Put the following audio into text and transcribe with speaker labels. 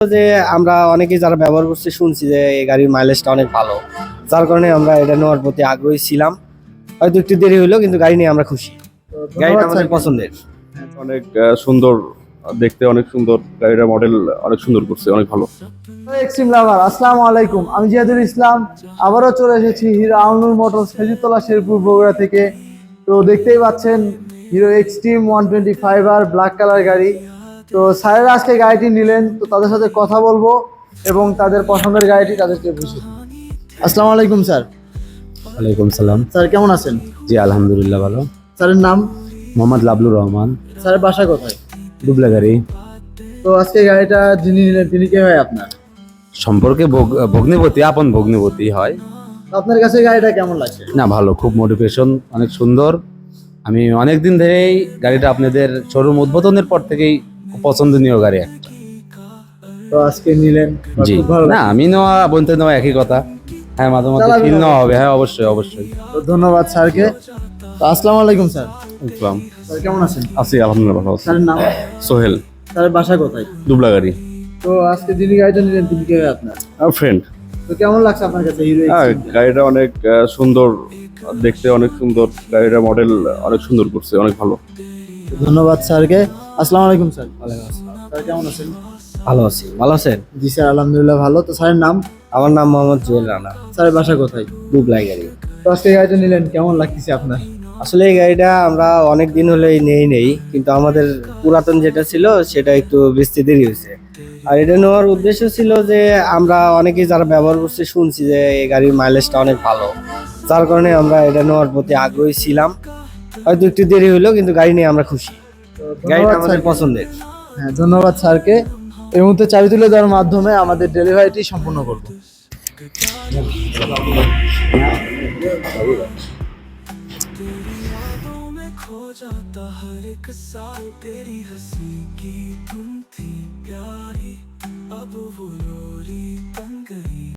Speaker 1: যে আমরা অনেকেই যারা ব্যবহার করছে শুনছি যে এই গাড়ির মাইলেজটা অনেক ভালো, যার কারণে আমরা এটা নেওয়ার প্রতি আগ্রহী ছিলাম। হয়তো একটু দেরি হলো, কিন্তু গাড়ি নিয়ে আমরা খুশি। গাড়িটা আমাদের পছন্দের।
Speaker 2: অনেক সুন্দর, দেখতে অনেক সুন্দর, গাড়িটার মডেল অনেক সুন্দর করছে, অনেক ভালো।
Speaker 3: এক্সট্রিম লাভার, আসসালামু আলাইকুম। আমি জিয়াদুল ইসলাম, আবারও চলে এসেছি হিরো আউনুর মোটরস খেজুরতলা শেরপুর বগুড়া থেকে। তো দেখতেই পাচ্ছেন hero extreme 125R black colour গাড়ি। তো স্যারেরা আজকে গাড়িটি নিলেন, তো তাদের সাথে কথা বলবো এবং তাদের পছন্দের গাড়িটি তাদেরকে বুঝে। আসসালামু আলাইকুম স্যার।
Speaker 4: ওয়ালাইকুম সালাম।
Speaker 3: স্যার কেমন আছেন?
Speaker 4: জি আলহামদুলিল্লাহ ভালো।
Speaker 3: স্যারের নাম?
Speaker 4: মোহাম্মদ লাবলুর রহমান।
Speaker 3: স্যারের বাসা কোথায়?
Speaker 4: দুবলা গাড়ি।
Speaker 3: তো আজকে গাড়িটা যিনি নিলেন তিনি কে হয় আপনার?
Speaker 4: সম্পর্কে ভগ্নিপতি, আপন ভগ্নিপতি হয়।
Speaker 3: তো আপনার কাছে গাড়িটা কেমন লাগছে?
Speaker 4: না ভালো, খুব মোটিভেশন, অনেক সুন্দর। আমি অনেক দিন ধরেই গাড়িটা আপনাদের শোরুম উদ্বোধনের পর থেকেই খুব পছন্দনীয় গাড়ি একটা।
Speaker 3: তো আজকে নিলেন,
Speaker 4: জি
Speaker 3: খুব ভালো
Speaker 4: না,
Speaker 3: লাগছে।
Speaker 4: আমি নেওয়া বলতে নেওয়া একই কথা। হ্যাঁ, মাঝে মাঝে
Speaker 3: চালাবেন
Speaker 4: ফিল
Speaker 3: না?
Speaker 4: নেওয়া হবে, হ্যাঁ অবশ্যই অবশ্যই।
Speaker 3: তো ধন্যবাদ স্যারকে। তো আসসালামু আলাইকুম স্যার।
Speaker 2: ইসলাম
Speaker 3: স্যার কেমন আছেন?
Speaker 2: আছি, আলহামদুলিল্লাহ ভালো আছি।
Speaker 3: স্যারের নাম?
Speaker 2: সোহেল,
Speaker 3: স্যারের বাসা কোথায়?
Speaker 2: দুবলা গাড়ি।
Speaker 3: তো আজকে যিনি গাড়িটা নিলেন তিনি কে হয় আপনার?
Speaker 2: আমার ফ্রেন্ড।
Speaker 3: তো কেমন লাগছে আপনার কাছে হিরো
Speaker 2: হ্যাঁ,
Speaker 3: এক্সট্রিম?
Speaker 2: গাড়িটা অনেক সুন্দর, দেখতে অনেক সুন্দর, গাড়িটার মডেল অনেক সুন্দর করছে, অনেক ভালো।
Speaker 3: ধন্যবাদ স্যারকে। আসসালামু আলাইকুম স্যার। স্যার কেমন আছেন?
Speaker 1: ভালো আছি। ভালো আছেন?
Speaker 3: জি স্যার আলহামদুলিল্লাহ ভালো। তো স্যারের নাম?
Speaker 1: আমার নাম মোহাম্মদ জুয়েল রানা।
Speaker 3: স্যারের বাসা কোথায়?
Speaker 1: দুবলাই গাড়ি।
Speaker 3: তো আজকে গাড়িটা নিলেন, কেমন লাগতেছে আপনার?
Speaker 1: আসলে এই গাড়িটা আমরা অনেক দিন হলেই নেই, কিন্তু আমাদের পুরাতন যেটা ছিল সেটা একটু বেচতে দেরি হয়েছে। আর এটা নেওয়ার উদ্দেশ্য ছিল যে আমরা অনেকেই যারা ব্যবহার করছে শুনছি যে এই গাড়ির মাইলেজটা অনেক ভালো, যার কারণে আমরা এটা নেওয়ার প্রতি আগ্রহী ছিলাম। হয়তো একটু দেরি হলো, কিন্তু গাড়ি নিয়ে আমরা খুশি।
Speaker 3: তো
Speaker 1: গাড়িটা
Speaker 3: ধন্যবাদ
Speaker 1: আমাদের
Speaker 3: স্যারকে।
Speaker 1: পছন্দের।
Speaker 3: হ্যাঁ ধন্যবাদ স্যারকে। এই মুহূর্তে চাবি তুলে দেওয়ার মাধ্যমে আমাদের ডেলিভারিটি সম্পূর্ণ করব।
Speaker 5: खो जाता हर एक साल तेरी हंसी की धुन